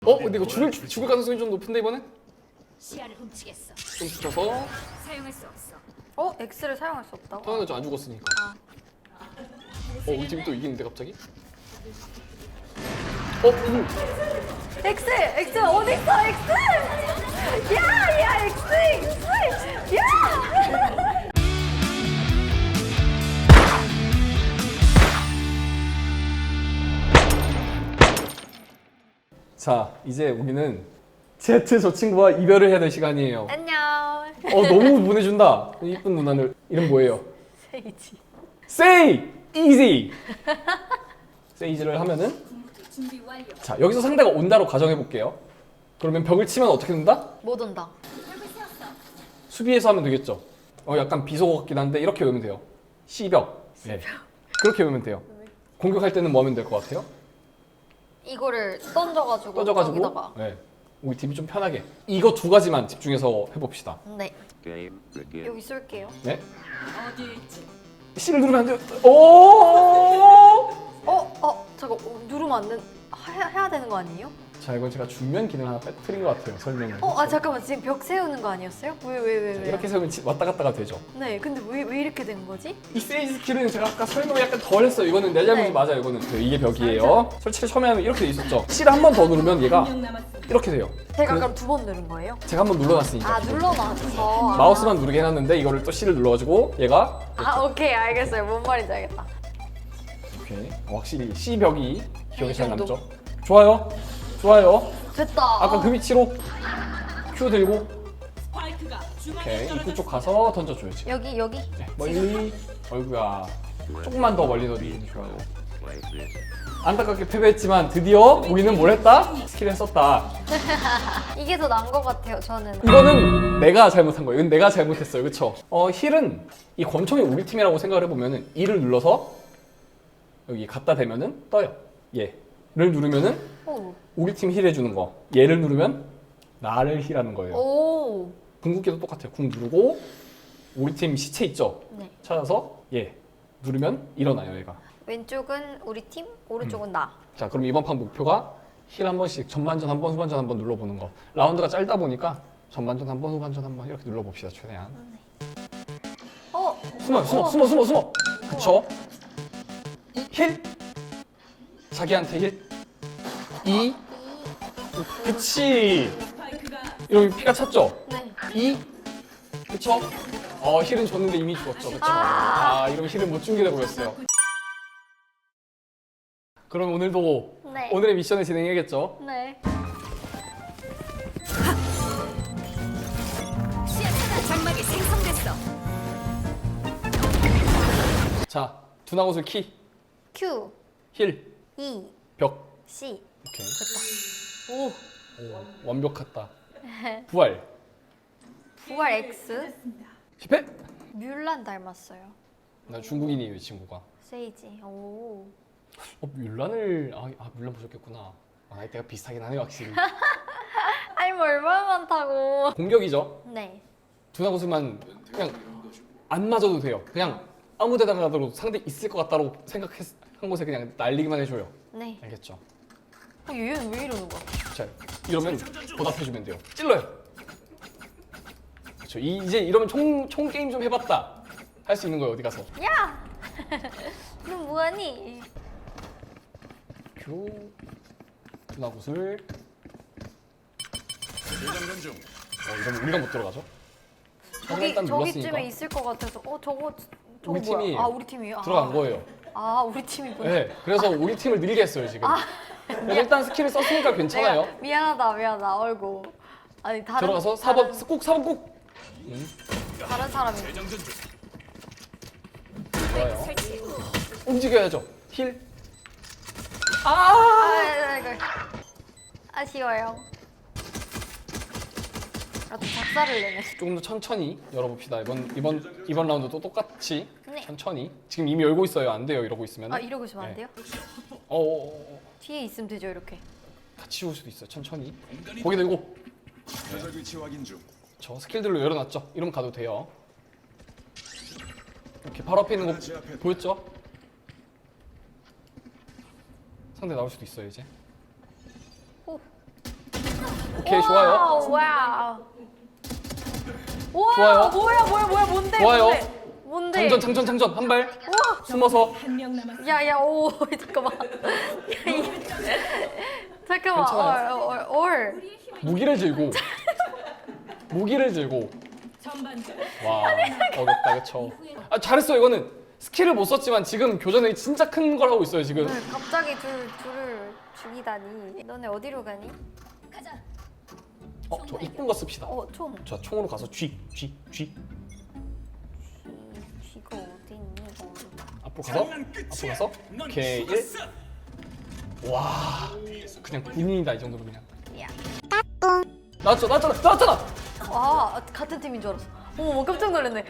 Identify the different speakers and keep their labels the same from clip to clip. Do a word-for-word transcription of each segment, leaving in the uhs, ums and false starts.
Speaker 1: 어? 근데 이거 죽을, 죽을 가능성이 좀 높은데 이번엔?
Speaker 2: 시야를 훔치겠어.
Speaker 1: 좀 붙여서
Speaker 2: 사용할 수 없어.
Speaker 3: 어? X를 사용할 수 없다고?
Speaker 1: 당연하죠, 안 죽었으니까.
Speaker 3: 아.
Speaker 1: 어, 우리 팀이 또 이기는데 갑자기? 어? 음.
Speaker 3: X! X 어디 있어? X! 야! 야! X! X! 야!
Speaker 1: 자, 이제 우리는 Z 저 친구와 이별을 해야 될 시간이에요.
Speaker 3: 안녕.
Speaker 1: 어, 너무 보내준다. 이쁜 누나를. 이름 뭐예요?
Speaker 3: 세이지.
Speaker 1: Say easy. Say를 하면은
Speaker 2: 준비 완료.
Speaker 1: 자, 여기서 상대가 온다로 가정해 볼게요. 그러면 벽을 치면 어떻게 된다?
Speaker 3: 못 온다.
Speaker 1: 수비에서 하면 되겠죠. 어, 약간 비속어 같긴 한데 이렇게 외우면 돼요. C벽. 네. 그렇게 외우면 돼요. 공격할 때는 뭐 하면 될 것 같아요?
Speaker 3: 이거를 던져가지고
Speaker 1: 떠져가지고
Speaker 3: 저기다가.
Speaker 1: 네. 우리 팀이 좀 편하게 이거 두 가지만 집중해서 해봅시다.
Speaker 3: 네.
Speaker 4: Game begin.
Speaker 3: 여기 쏠게요.
Speaker 1: 네?
Speaker 2: 어디에 있지?
Speaker 1: C를 누르면 안 돼요. 오!
Speaker 3: 어? 어? 잠깐 어, 누르면 안 된... 해야, 해야 되는 거 아니에요?
Speaker 1: 자, 이건 제가 중면 기능 하나 빼뜨린 것 같아요. 설명을.
Speaker 3: 어? 아 잠깐만 지금 벽 세우는 거 아니었어요? 왜 왜 왜 왜?
Speaker 1: 이렇게 세우면 치- 왔다 갔다가 되죠.
Speaker 3: 네 근데 왜, 왜 이렇게 된 거지?
Speaker 1: 이 세이지 스킬은 제가 아까 설명을 약간 덜 했어요. 이거는 내 잘못이
Speaker 3: 네.
Speaker 1: 맞아요. 이거는 네, 이게 벽이에요. 설치를 처음에 하면 이렇게 돼 있었죠. C를 한 번 더 누르면 얘가
Speaker 2: 명 남았습니다.
Speaker 1: 이렇게 돼요.
Speaker 3: 제가
Speaker 1: 그래-
Speaker 3: 그럼 두 번 누른 거예요?
Speaker 1: 제가 한 번 눌러놨으니까.
Speaker 3: 아 눌러놨어.
Speaker 1: 마우스만 누르게 해놨는데 이거를 또 C를 눌러가지고 얘가
Speaker 3: 아 오케이 알겠어요. 뭔 말인지 알겠다.
Speaker 1: 이렇게 어, 확실히 C 벽이 기억에
Speaker 3: 이
Speaker 1: 잘
Speaker 3: 정도?
Speaker 1: 남죠. 좋아요. 좋아요.
Speaker 3: 됐다.
Speaker 1: 아까 그 위치로 Q 들고
Speaker 2: 스파이크가 중앙에
Speaker 1: 오케이 입구
Speaker 2: 떨어졌어.
Speaker 1: 쪽 가서 던져줘야지.
Speaker 3: 여기 여기.
Speaker 1: 네, 멀리. 어이구야. 조금만 더 멀리 넣어주면 좋아요.
Speaker 4: Like this.
Speaker 1: 안타깝게 패배했지만 드디어 우리는 뭘 했다? 스킬을 썼다.
Speaker 3: 이게 더 나은 것 같아요. 저는.
Speaker 1: 이거는 내가 잘못한 거예요. 이건 내가 잘못했어요. 그쵸? 어, 힐은 이 권총이 우리 팀이라고 생각을 해보면은 E를 눌러서 여기 갖다 대면은 떠요. 얘를 누르면은
Speaker 3: 오.
Speaker 1: 우리 팀 힐 해주는 거. 얘를 누르면 나를 힐하는 거예요.
Speaker 3: 오.
Speaker 1: 궁극기도 똑같아요. 궁 누르고 우리 팀 시체 있죠?
Speaker 3: 네.
Speaker 1: 찾아서 얘 누르면 일어나요, 얘가.
Speaker 3: 왼쪽은 우리 팀, 오른쪽은
Speaker 1: 음.
Speaker 3: 나.
Speaker 1: 자, 그럼 이번 판 목표가 힐 한 번씩 전반전 한 번, 후반전 한 번 눌러보는 거. 라운드가 짧다 보니까 전반전 한 번, 후반전 한 번 이렇게 눌러봅시다, 최대한.
Speaker 3: 어.
Speaker 1: 숨어, 숨어,
Speaker 3: 어.
Speaker 1: 숨어, 숨어, 숨어. 그쵸? 힐. 자기한테 힐. 이. 그치.
Speaker 2: 스파이크가
Speaker 1: 이러면 피가 찼죠?
Speaker 3: 네.
Speaker 1: 이. 그쵸? 어, 힐은 줬는데 이미 죽었죠, 그쵸? 아, 이러면 힐을 못 준게 돼버렸어요. 그럼 오늘도
Speaker 3: 네.
Speaker 1: 오늘의 미션을 진행해야겠죠?
Speaker 3: 네.
Speaker 2: 시야 차단 장막이 생성됐어.
Speaker 1: 자, 두나옷을 키,
Speaker 3: Q,
Speaker 1: 힐,
Speaker 3: E,
Speaker 1: 벽.
Speaker 3: C.
Speaker 1: 오케이.
Speaker 3: 됐다. 오.
Speaker 1: 오, 완벽했다. 부활.
Speaker 3: 부활 X.
Speaker 1: 실패?
Speaker 3: 뮬란 닮았어요.
Speaker 1: 나 중국인이에요, 이 친구가.
Speaker 3: 세이지. 오.
Speaker 1: 어, 뮬란을 아, 아 뮬란 보셨겠구나. 아, 나이대가 비슷하긴 하네요, 확실히.
Speaker 3: 아니 뭐 얼마나 많다고.
Speaker 1: 공격이죠.
Speaker 3: 네.
Speaker 1: 두나옷만 그냥 안 맞아도 돼요. 그냥 아무 데다가 가도 상대 있을 것 같다고 생각한 곳에 그냥 날리기만 해줘요.
Speaker 3: 네.
Speaker 1: 알겠죠?
Speaker 3: 어, 얘는 왜 이러는 거야?
Speaker 1: 자, 이러면 보답해주면 돼요. 찔러요. 그렇죠. 이, 이제 이러면 총, 총 게임 좀 해봤다. 할 수 있는 거예요, 어디 가서.
Speaker 3: 야! 너 뭐하니?
Speaker 1: 큐. 두나굿을.
Speaker 4: 재장전 중.
Speaker 1: 어, 이러면 우리가 못 들어가죠? 하지만
Speaker 3: 저기
Speaker 1: 일단 눌렀으니까
Speaker 3: 저기쯤에 있을 것 같아서. 어 저거 저거
Speaker 1: 우리
Speaker 3: 뭐야?
Speaker 1: 팀이
Speaker 3: 아 우리 팀이에요.
Speaker 1: 들어간
Speaker 3: 아.
Speaker 1: 거예요.
Speaker 3: 아 우리 팀이구나.
Speaker 1: 네, 그래서 우리 팀을 늘게 했어요, 지금. 그래서 일단 스킬을 썼으니까 괜찮아요.
Speaker 3: 내가 미안하다 미안하다. 어이구. 아니 다른
Speaker 1: 들어가서 사 번,
Speaker 3: 다른,
Speaker 1: 꼭 사 번 꼭! 응,
Speaker 3: 다른 사람이.
Speaker 4: 재장전 중.
Speaker 1: 좋아요.
Speaker 2: 설치.
Speaker 1: 움직여야죠. 힐.
Speaker 3: 아, 아, 이거 아쉬워요. 아, 또 작사를 내네.
Speaker 1: 조금 더 천천히 열어봅시다. 이번 이번 이번 라운드도 똑같이
Speaker 3: 네.
Speaker 1: 천천히. 지금 이미 열고 있어요. 안 돼요. 이러고 있으면.
Speaker 3: 아 이러고 있으면 안
Speaker 1: 네.
Speaker 3: 돼요?
Speaker 1: 어, 어, 어, 어.
Speaker 3: 뒤에 있으면 되죠 이렇게.
Speaker 1: 다 치울 수도 있어요. 천천히. 고개 들고.
Speaker 4: 표적 위치 확인 중.
Speaker 1: 저 스킬들로 열어놨죠. 이러면 가도 돼요. 이렇게 바로 앞에 있는 거 보였죠? 상대 나올 수도 있어요 이제.
Speaker 3: 오.
Speaker 1: 오케이 좋아요.
Speaker 3: 와우, 와우. 와,
Speaker 1: 좋아요.
Speaker 3: 뭐야, 뭐야, 뭐야, 뭔데?
Speaker 1: 좋아요.
Speaker 3: 뭔데? 뭔데?
Speaker 1: 장전 장전 장전 한 발.
Speaker 3: 우와.
Speaker 1: 숨어서.
Speaker 2: 한 명 남았습니다.
Speaker 3: 야, 야, 오, 잠깐만. 야, 이, 잠깐만.
Speaker 1: 괜찮아요.
Speaker 3: 얼, 얼, 얼.
Speaker 1: 무기를 들고. 무기를 들고.
Speaker 2: 전반전.
Speaker 1: 와 어렵다 그쵸. 아 잘했어 이거는. 스킬을 못 썼지만 지금 교전에 진짜 큰 걸 하고 있어요 지금.
Speaker 3: 네, 갑자기 둘, 둘을 죽이다니. 너네 어디로 가니?
Speaker 2: 가자.
Speaker 1: 어 저 이쁜 거 씁시다.
Speaker 3: 어, 총.
Speaker 1: 자 총으로 가서 쥐 쥐 쥐.
Speaker 3: 쥐, 쥐가 어디 있니? 이거.
Speaker 1: 앞으로 가서 앞으로 가서 오케이 일. 와 그냥 군인이다 이 정도로 그냥.
Speaker 3: 야.
Speaker 1: 나왔죠 나왔잖아 나왔잖아.
Speaker 3: 와, 같은 팀인 줄 알았어. 어머, 깜짝 놀랐네.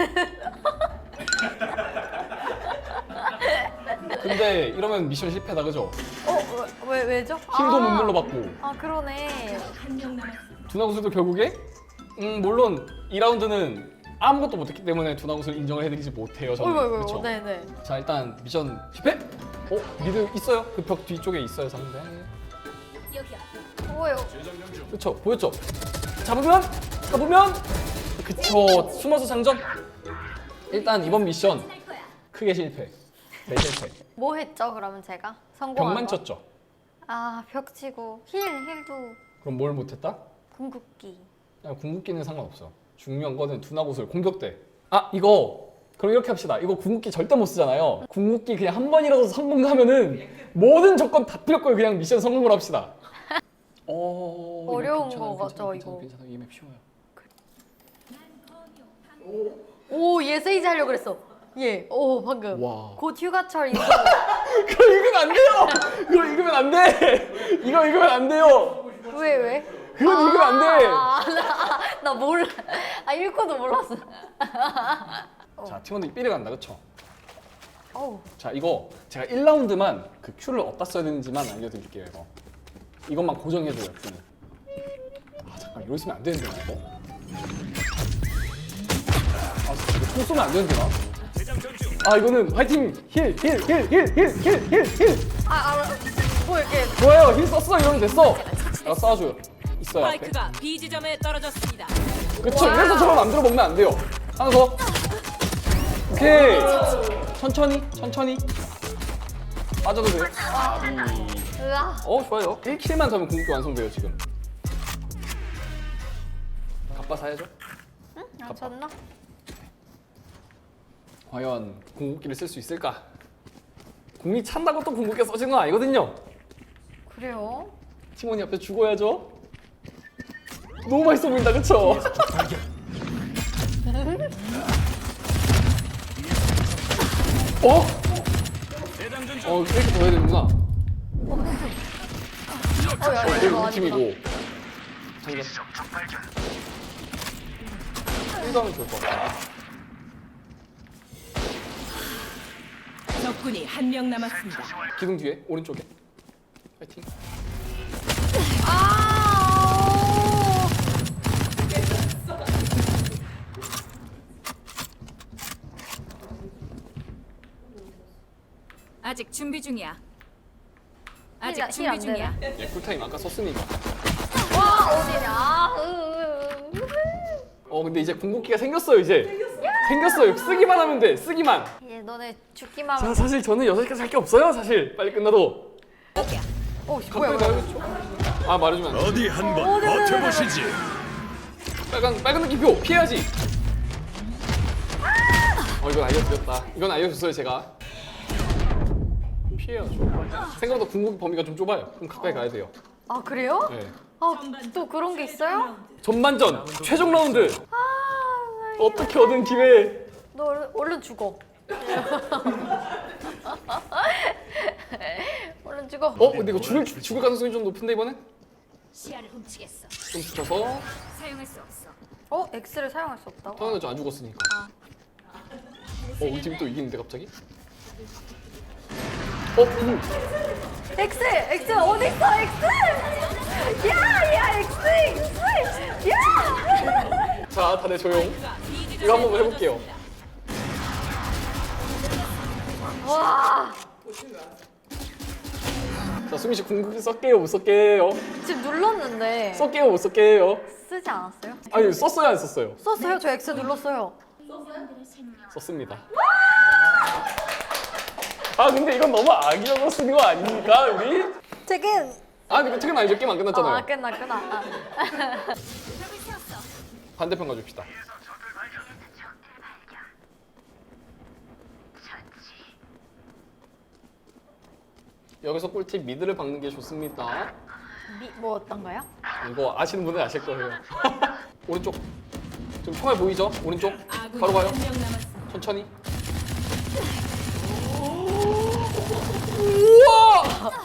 Speaker 1: 근데 이러면 미션 실패다 그죠?
Speaker 3: 어, 왜, 왜, 왜죠?
Speaker 1: 힐도
Speaker 3: 아,
Speaker 1: 못 눌러받고.
Speaker 3: 아, 그러네.
Speaker 2: 한 명 남았습니다.
Speaker 1: 두나구슬도 결국에 음 물론 이 라운드는 아무것도 못했기 때문에 두나구슬 인정을 해드리지 못해요 저는.
Speaker 3: 어이구, 어이구,
Speaker 1: 그쵸?
Speaker 3: 네네.
Speaker 1: 자 일단 미션 실패. 어 미드 있어요? 그 벽 뒤쪽에 있어요 상대.
Speaker 2: 여기야.
Speaker 3: 뭐예요?
Speaker 1: 그쵸 보였죠? 잡으면 잡으면 그쵸 숨어서 장전. 일단 이번 미션
Speaker 2: 할 거야.
Speaker 1: 크게 실패. 네 실패.
Speaker 3: 뭐 했죠, 그러면 제가? 성공한
Speaker 1: 벽만
Speaker 3: 거?
Speaker 1: 쳤죠.
Speaker 3: 아, 벽 치고. 힐, 힐도
Speaker 1: 그럼 뭘 못했다?
Speaker 3: 궁극기.
Speaker 1: 그냥 궁극기는 상관없어. 중요한 거는 두나구슬 공격대. 아 이거 그럼 이렇게 합시다. 이거 궁극기 절대 못 쓰잖아요. 궁극기 그냥 한 번이라도 성공하면은 모든 조건 다 필요 없고 그냥 미션 성공을 합시다. 어 이거
Speaker 3: 어려운
Speaker 1: 괜찮아요,
Speaker 3: 거
Speaker 1: 괜찮아요,
Speaker 3: 같죠,
Speaker 1: 괜찮아요,
Speaker 3: 이거?
Speaker 1: 괜찮아요. 이맵 쉬워요.
Speaker 3: 오, 얘 세이지 하려고 그랬어. 얘. 오, 방금.
Speaker 1: 와.
Speaker 3: 곧 휴가철 있어.
Speaker 1: 그거 읽으면 안 돼요. 그거 읽으면 안 돼. 이거 읽으면 안 돼요.
Speaker 3: 왜, 왜?
Speaker 1: 그건 읽으면 안 돼.
Speaker 3: 아, 나, 나 몰라. 아, 읽고도 몰랐어.
Speaker 1: 자 팀원들이 삐를 간다 그쵸?
Speaker 3: 어우.
Speaker 1: 자 이거 제가 일 라운드만 그 큐를 어디다 써야 되는지만 알려드릴게요 이거. 이것만 고정해줘요 큐는. 아 잠깐 이러고 있으면 안 되는데 나 이거. 아 이거 총 쏘면 안 되는데 나. 아 이거는 화이팅 힐 힐 힐 힐 힐 힐 힐 힐.
Speaker 3: 아, 아, 뭐 이렇게.
Speaker 1: 좋아요 힐 썼어 이러면 됐어. 내가 쏴줘요. 있어요 앞에.
Speaker 2: 스파이크가 B 지점에 떨어졌습니다.
Speaker 1: 그쵸
Speaker 3: 와우.
Speaker 1: 그래서 저걸 만들어 먹으면 안 돼요. 하나 더. 오케이. 천천히 천천히. 빠져도 돼요. 아, 음.
Speaker 3: 으아.
Speaker 1: 어 좋아요. 일 킬만 더면 궁극기 완성돼요 지금. 갑바 사야죠.
Speaker 3: 아, 졌나?
Speaker 1: 과연 궁극기를 쓸 수 있을까? 궁이 찬다고 또 궁극기 써지는 건 아니거든요.
Speaker 3: 그래요?
Speaker 1: 팀원이 앞에 죽어야죠. 너무 맛있어 보인다 그쵸? 어? 어 이렇게 더 해야 되는구나.
Speaker 3: 어, 야,
Speaker 1: 어,
Speaker 3: 야,
Speaker 1: 이거
Speaker 3: 이거
Speaker 1: 우리
Speaker 3: 아니다.
Speaker 1: 팀이고. 장전. 일도 하면 좋을 것 같아.
Speaker 2: 적군이 한 명 남았습니다.
Speaker 1: 기둥 뒤에 오른쪽에. 파이팅.
Speaker 3: 아!
Speaker 2: 아직 준비 중이야.
Speaker 3: 힐,
Speaker 2: 아직
Speaker 3: 힐
Speaker 2: 준비
Speaker 3: 안
Speaker 2: 중이야.
Speaker 1: 예, 쿨타임 아까 썼으니까.
Speaker 3: 와, 어디냐? 아, 으, 으, 으.
Speaker 1: 어 근데 이제 궁극기가 생겼어요 이제. 생겼어요. 쓰기만 하면 돼. 쓰기만.
Speaker 3: 얘 너네 죽기만
Speaker 1: 자
Speaker 3: 하면.
Speaker 1: 사실 저는 여섯 시까지 할 게 없어요 사실. 빨리 끝나도.
Speaker 2: 여기야.
Speaker 3: 어, 씨, 뭐야,
Speaker 1: 가까이
Speaker 3: 뭐야.
Speaker 1: 가야겠죠? 아 말해주면 안 돼.
Speaker 4: 어디 한번
Speaker 3: 어, 네, 네, 네, 네.
Speaker 4: 버텨보시지.
Speaker 1: 빨간 빨간 느낌표 피해야지. 어 이건 알려드렸다. 이건 알려줬어요 제가. 피해야죠. 생각보다 궁극기 범위가 좀 좁아요. 그럼 가까이 가야 돼요.
Speaker 3: 아, 그래요?
Speaker 1: 네.
Speaker 3: 아, 또 그런 게 있어요?
Speaker 1: 전반전 최종 라운드.
Speaker 3: 아,
Speaker 1: 어떻게 얻은 기회.
Speaker 3: 너 얼른, 얼른 죽어. 얼른 죽어.
Speaker 1: 어 근데 이거 죽을 죽을 가능성이 좀 높은데 이번엔?
Speaker 2: 시야를 훔치겠어.
Speaker 1: 좀 붙여서.
Speaker 2: 사용할 수 없어.
Speaker 3: 어? X를 사용할 수 없다고?
Speaker 1: 당연하죠 안 죽었으니까. 어 우리 팀이 또 이기는데 갑자기? 어 음.
Speaker 3: X! X 어디 있어? X! 야! 야! X! X! 야!
Speaker 1: 자 다들 조용.
Speaker 2: B 지점에
Speaker 1: 이거 한번 해볼게요.
Speaker 3: 와!
Speaker 1: 자 수민 씨 궁극기 썼게요 못 썼게요?
Speaker 3: 지금 눌렀는데
Speaker 1: 썼게요 못 썼게요?
Speaker 3: 쓰지 않았어요?
Speaker 1: 아니 썼어요 안 썼어요?
Speaker 3: 썼어요. 저 X 눌렀어요.
Speaker 1: 썼습니다. 아 근데 이건 너무 악의적으로 쓰는 거 아닙니까 우리?
Speaker 3: 퇴근.
Speaker 1: 아 근데 퇴근 아니죠? 게임 안 끝났잖아요.
Speaker 3: 아 끝나 끝나. 아.
Speaker 1: 반대편 가줍시다. 여기서 꿀팁 미드를 박는 게 좋습니다.
Speaker 3: 미, 뭐 어떤가요?
Speaker 1: 이거 아시는 분은 아실 거예요. 오른쪽. 좀 총알 보이죠? 오른쪽.
Speaker 2: 아군이
Speaker 1: 바로 가요.
Speaker 2: 한 명 남았습니다.
Speaker 1: 천천히. 우와!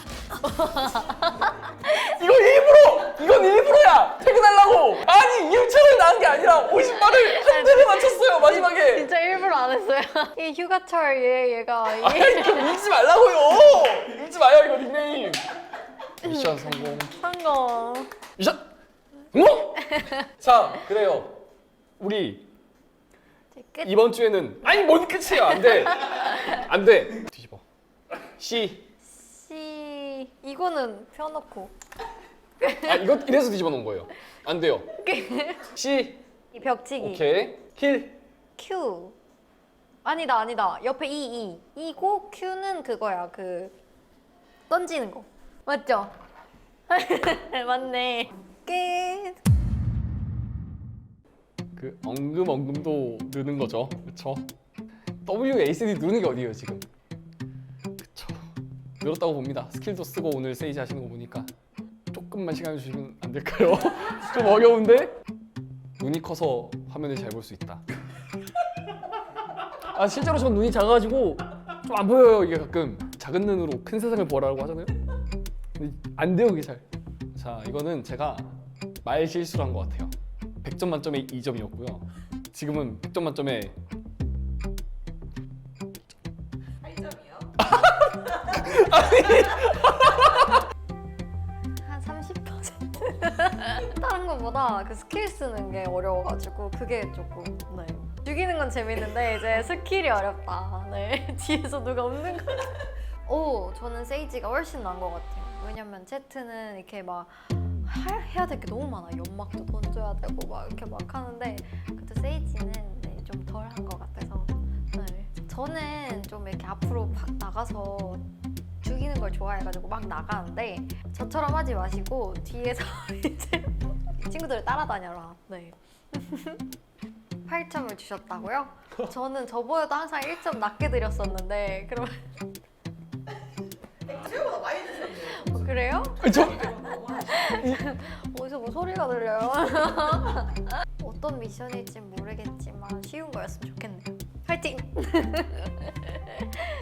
Speaker 1: 이거 일부러! 이건 일부러야! 퇴근하려고! 아니 이유창을 낳은 게 아니라 오십 발을 한 대를 맞췄어요 마지막에!
Speaker 3: 진짜 일부러 안 했어요. 이 휴가철 얘 얘가
Speaker 1: 아니
Speaker 3: 이게
Speaker 1: 이거 읽지 말라고요! 읽지 마요 이거 닉네임! 미션 성공.
Speaker 3: 성공.
Speaker 1: 미션! 뭐? 자 그래요. 우리
Speaker 3: 이제 끝.
Speaker 1: 이번 주에는 아니 뭔 끝이에요 안돼! 안돼! 뒤집어. C.
Speaker 3: C 이거는 펴놓고.
Speaker 1: 아 이거 이래서 뒤집어 놓은 거예요. 안 돼요. C.
Speaker 3: 이 벽치기.
Speaker 1: 오케이. 킬.
Speaker 3: Q. 아니다 아니다. 옆에 E E. E고 Q는 그거야. 그 던지는 거. 맞죠? 맞네. 끝.
Speaker 1: 그 엉금 엉금도 느는 거죠. 그렇죠? W A C D 누르는 게 어디예요 지금? 그렇죠. 늘었다고 봅니다. 스킬도 쓰고 오늘 세이지 하시는 거 보니까 조금만 시간 주시면 안 될까요? 좀 어려운데? 눈이 커서 화면을 잘 볼 수 있다. 아 실제로 전 눈이 작아가지고 좀 안 보여요 이게 가끔. 작은 눈으로 큰 세상을 보라고 하잖아요. 근데 안 돼요 그게 잘. 자 이거는 제가 말 실수를 한 것 같아요. 백 점 만점에 이 점이었고요. 지금은 백 점 만점에
Speaker 3: 한 삼십 퍼센트. 다른 것보다 그 스킬 쓰는 게 어려워가지고 그게 조금 네. 죽이는 건 재밌는데 이제 스킬이 어렵다. 네. 뒤에서 누가 없는 거. 오, 저는 세이지가 훨씬 나은 것 같아요. 왜냐면 제트는 이렇게 막 할- 해야 될 게 너무 많아. 연막도 던져야 되고 막 이렇게 막 하는데 그때 세이지는 네, 좀 덜 한 것 같아서 네. 저는 좀 이렇게 앞으로 팍 나가서 죽이는 걸 좋아해가지고 막 나가는데 저처럼 하지 마시고 뒤에서 이제 친구들을 따라다녀라. 네. 팔 점을 주셨다고요? 저는 저보다도 항상 일 점 낮게 드렸었는데 그러면
Speaker 5: 생각보다 많이 드셨네요.
Speaker 3: 어, 그래요?
Speaker 1: 저
Speaker 3: 어디서 뭐 소리가 들려요? 어떤 미션일지 모르겠지만 쉬운 거였으면 좋겠네요. 파이팅!